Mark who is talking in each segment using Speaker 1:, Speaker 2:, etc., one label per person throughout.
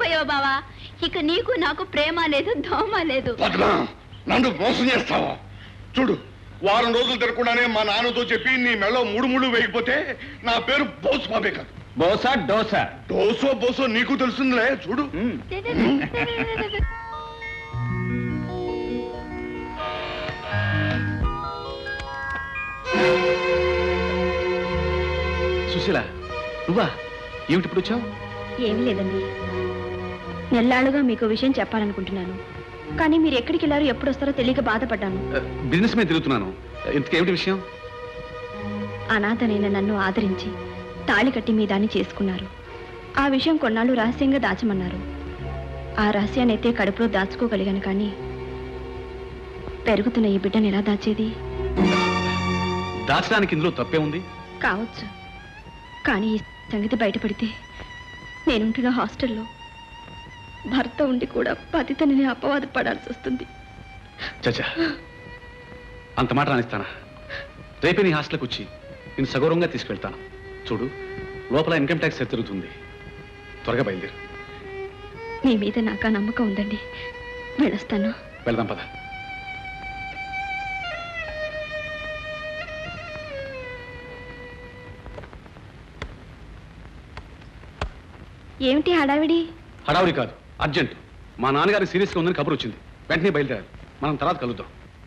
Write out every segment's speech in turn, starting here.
Speaker 1: అయిపోయావు బావా. ఇక నీకు నాకు ప్రేమ లేదు, దోమ లేదు.
Speaker 2: నన్ను మోసం చేస్తావా? చూడు, వారం రోజులు తిరగకుండానే మా నాన్నతో చెప్పి నీ మెళ్ళో మూడు ముళ్ళు వేయకపోతే నా పేరు బోసు బాబే కాదు.
Speaker 3: బోసా డోసా?
Speaker 2: డోసో బోసో నీకు తెలుస్తుందిలే. చూడు.
Speaker 3: సుశీల, నువ్వా? ఏమిటి ఇప్పుడు వచ్చావు?
Speaker 1: ఏమీ లేదండి, నెల్లాళ్ళుగా మీకు విషయం చెప్పాలనుకుంటున్నాను. కానీ మీరు ఎక్కడికి వెళ్ళారో ఎప్పుడు వస్తారో తెలియక బాధపడ్డాను.
Speaker 3: బిజినెస్ మీద తిరుగుతున్నాను. ఇంతకేమిటి విషయం?
Speaker 1: అనాథనైన నన్ను ఆదరించి తాళి కట్టి మీ దాన్ని చేసుకున్నారు. ఆ విషయం కొన్నాళ్ళు రహస్యంగా దాచమన్నారు. ఆ రహస్యాన్ని అయితే కడుపులో దాచుకోగలిగాను, కానీ పెరుగుతున్న ఈ బిడ్డను ఎలా దాచేది?
Speaker 3: దాచడానికి ఇందులో తప్పే ఉంది?
Speaker 1: కావచ్చు, కానీ ఈ సంగతి బయటపడితే నేనుంటున్న హాస్టల్లో భర్త ఉండి కూడా పతితని అపవాదు పడాల్సి వస్తుంది.
Speaker 3: చచ్చా, అంత మాట రానిస్తానా? రేపే నీ హాస్టల్కి వచ్చి నేను సగౌరవంగా తీసుకెళ్తాను. చూడు, లోపల ఇన్కమ్ ట్యాక్స్ తిరుగుతుంది. త్వరగా బయలుదేరు.
Speaker 1: మీ మీద నాకు ఆ నమ్మకం ఉందండి. వెళ్ళొస్తాను.
Speaker 3: వెళ్దాం పద.
Speaker 1: ఏమిటి హడావిడి?
Speaker 3: హడావుడి కాదు, అర్జెంట్. మా నాన్నగారి సీరియస్గా ఉందని కబురు వచ్చింది. వెంటనే బయలుదేరాలి. మనం తర్వాత కలుద్దాం.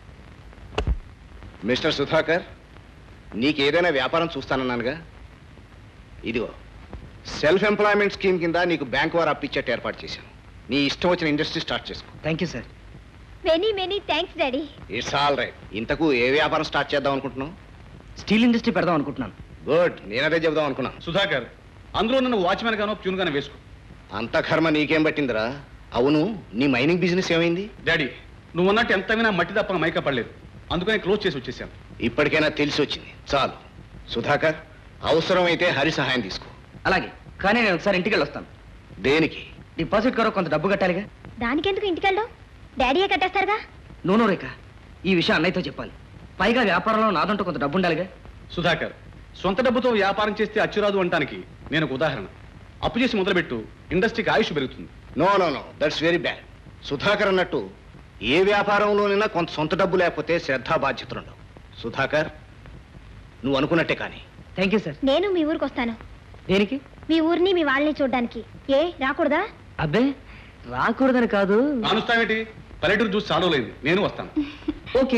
Speaker 4: మిస్టర్ సుధాకర్, నీకేదైనా వ్యాపారం చూస్తానన్నానుగా. ఇదిగో సెల్ఫ్ ఎంప్లాయ్మెంట్ స్కీమ్ కింద నీకు బ్యాంక్ వారు అప్పిచ్చేట్టు ఏర్పాటు చేశాను. నీ ఇష్టం వచ్చిన ఇండస్ట్రీ స్టార్ట్ చేసుకో.
Speaker 5: Thank you sir.
Speaker 1: Many thanks daddy.
Speaker 4: It's all right. ఇంతకు ఏ వ్యాపారం స్టార్ట్ చేద్దాం అనుకుంటున్నావు?
Speaker 5: స్టీల్ ఇండస్ట్రీ పెడదాం అనుకుంటున్నాను.
Speaker 4: గుడ్, నేనదే చెబుదాం అనుకున్నాను.
Speaker 3: సుధాకర్, అందులో నన్ను వాచ్మెన్ గానో ప్యూన్ గానో వేసుకో.
Speaker 4: అంత కర్మ నీకేం పట్టిందిరా? అవును, నీ మైనింగ్ బిజినెస్ ఏమైంది?
Speaker 3: డాడీ, నువ్వు అన్నట్టు ఎంత వినా మట్టి తప్ప మైకా పడలేదు. అందుకని క్లోజ్ చేసి వచ్చేసాను.
Speaker 4: ఇప్పటికైనా తెలిసి వచ్చింది, చాలు. సుధాకర్, అవసరమైతే హరి సహాయం తీసుకో.
Speaker 5: అలాగే, కానీ నేను ఒకసారి ఇంటికి వెళ్ళొస్తాను.
Speaker 4: దేనికి?
Speaker 5: డిపాజిట్ కొరకు కొంత డబ్బు కట్టాలిగా.
Speaker 1: దానికెందుకు ఇంటికెళ్ళావు? డాడీయే కట్టేస్తారుగా.
Speaker 5: నూనె రేఖ, ఈ విషయం అన్నయ్యతో చెప్పాలి. పైగా వ్యాపారంలో నాదంటూ కొంత డబ్బు ఉండాలిగా.
Speaker 3: సుధాకర్, సొంత డబ్బుతో వ్యాపారం చేస్తే అచ్చురాదు అంటానికి నేను ఒక ఉదాహరణ. అప్పు చేసి మొదలుపెట్టు, ఇండస్ట్రీకి ఆయుష్ పెరుగుతుంది.
Speaker 4: No no no, that's very bad. Sudhakar అన్నట్టు ఏ వ్యాపారంలోనైనా కొంత సొంత డబ్బు లేకపోతే శ్రద్ధా బాధ్యతలు ఉండవు. సుధాకర్, నువ్వు అనుకున్నట్టే కానీ.
Speaker 5: Thank you sir.
Speaker 1: నేను మీ ఊరికి వస్తాను.
Speaker 5: దేనికి?
Speaker 1: మీ ఊరిని మీ వాళ్ళని చూడడానికి. ఏ రాకూడదా?
Speaker 5: అబ్బే, రాకూడదని కాదు.
Speaker 3: కానుస్తావేటి? పల్లెటూరు చూసి చాడలేదు. నేను వస్తాను.
Speaker 5: ఓకే.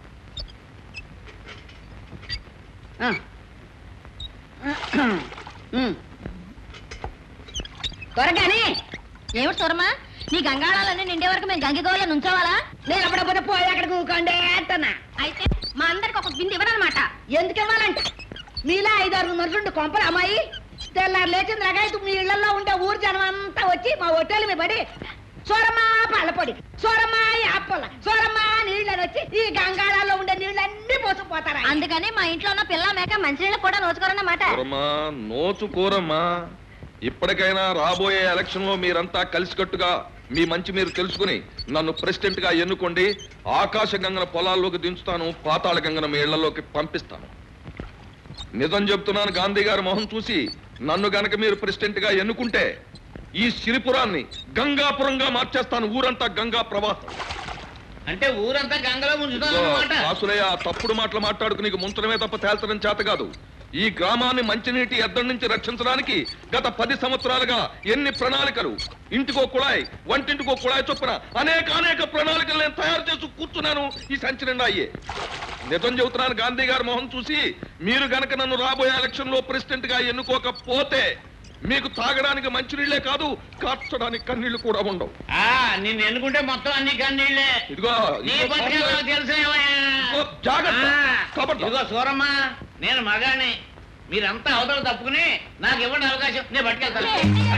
Speaker 1: త్వరగానే. ఏమిటి సూరమ్మా, నీ గంగాళాలన్నీ నిండే వరకు మేము గంగిగోళ్ళ నుంచోవాలా? నేను అప్పుడప్పుడు పోయి అక్కడికి ఊకండే అంటున్నా. అయితే మా అందరికి ఒక బింది ఇవ్వనమాట. ఎందుకు ఇవ్వాలంట? మీలా 5-6 మనుషులు కొంపలు అమ్మాయి తెల్లారు లేచిన రకాయతు మీ ఇళ్లలో ఉండే ఊరు జనం అంతా వచ్చి మా హోటల్ మీద పడి సోరమ్మా పాలపొడి, సోరమ్మా యాపల, సోరమ్మా నీళ్ళని వచ్చి ఈ గంగాళాల్లో ఉండే నీళ్ళన్నీ పోసుకుపోతారా? అందుకని మా ఇంట్లో ఉన్న పిల్ల మేక మంచినీళ్ళు కూడా నోచుకోరన్నమాట.
Speaker 6: నోచుకోరమ్మా. ఇప్పటికైనా రాబోయే ఎలక్షన్ లో మీరంతా కలిసికట్టుగా మీ మంచి మీరు తెలుసుకుని నన్ను ప్రెసిడెంట్ గా ఎన్నుకోండి. ఆకాశ గంగన పొలాల్లోకి దించుతాను, పాతాళ గంగన మీ ఇళ్లలోకి పంపిస్తాను. నిజం చెప్తున్నాను, గాంధీ గారి మొహం చూసి నన్ను గనక మీరు ప్రెసిడెంట్ గా ఎన్నుకుంటే ఈ సిరిపురాన్ని గంగాపురంగా మార్చేస్తాను. ఊరంతా గంగా ప్రవాహం.
Speaker 7: అంటే ఊరంతా గంగలో ముంచుతాను.
Speaker 6: వాసులయ్య, తప్పుడు మాటలు మాట్లాడుకు నీకు ముంచడమే తప్ప తేల్చడం చేత కాదు. ఈ గ్రామాన్ని మంచినీటి ఎద్దడి నుంచి రక్షించడానికి గత 10 సంవత్సరాలుగా ఎన్ని ప్రణాళికలు, ఇంటికో కుళాయి, వంటింటికో కుళాయి చొప్పున అనేక ప్రణాళికలు నేను తయారు చేసి కూర్చున్నాను. ఈ సంచి నిండా అయ్యే. నిజం చెబుతున్నాను, గాంధీ గారి మొహం చూసి మీరు గనక నన్ను రాబోయే ఎలక్షన్ లో ప్రెసిడెంట్ గా ఎన్నుకోకపోతే మీకు తాగడానికి మంచినీళ్లే కాదు, కార్చడానికి కన్నీళ్లు కూడా ఉండవు.
Speaker 7: నిన్ను ఎన్నుకుంటే మొత్తం అన్ని కన్నీళ్లే.
Speaker 6: ఇదిగో
Speaker 7: తెలుసు. ఇదిగో సూరమ్మ, నేను మగాని, మీరంతా అవతల తప్పుకుని నాకు ఇవ్వండి అవకాశం, నేను పట్టుకెళ్తాను.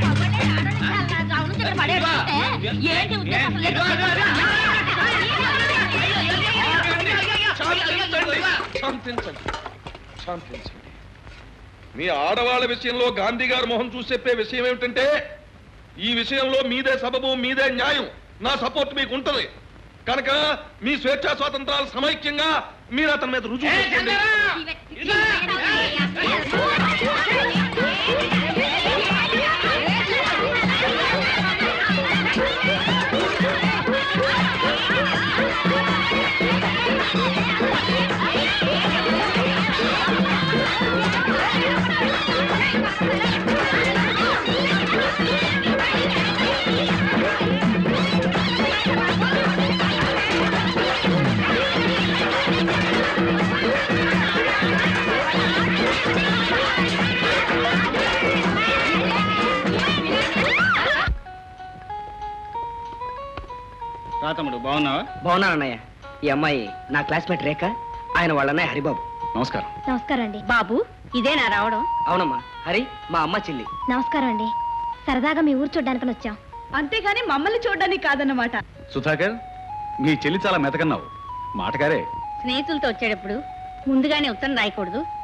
Speaker 6: శాంతించండి. మీ ఆడవాళ్ళ విషయంలో గాంధీ గారి మొహం చూసి చెప్పే విషయం ఏమిటంటే, ఈ విషయంలో మీదే సబబు, మీదే న్యాయం, నా సపోర్ట్ మీకు ఉంటది కనుక మీ స్వేచ్ఛా స్వాతంత్రాలు సమైక్యంగా మీరు అతని మీద రుజువు చేసుకోండి.
Speaker 8: తమ్ముడు బాగున్నావా?
Speaker 5: బాగున్నాను అన్నయ్య. ఈ అమ్మాయి నా క్లాస్మేట్ రేఖ, ఆయన వాళ్ళ అన్నయ్య హరిబాబు.
Speaker 3: నమస్కారం.
Speaker 1: నమస్కారం అండి. బాబు ఇదేనా రావడం?
Speaker 5: అవునమ్మా, హరి మా అమ్మ చెల్లి.
Speaker 1: నమస్కారం అండి. సరదాగా మీ ఊరు చూడ్డానికి వచ్చాం, అంతేగాని మమ్మల్ని చూడడానికి కాదన్నమాట.
Speaker 3: సుధాకర్, మీ చెల్లి చాలా మెతకన్నావు. మాటగారే.
Speaker 1: స్నేహితులతో వచ్చేటప్పుడు ముందుగానే ఉత్తరం రాయకూడదు,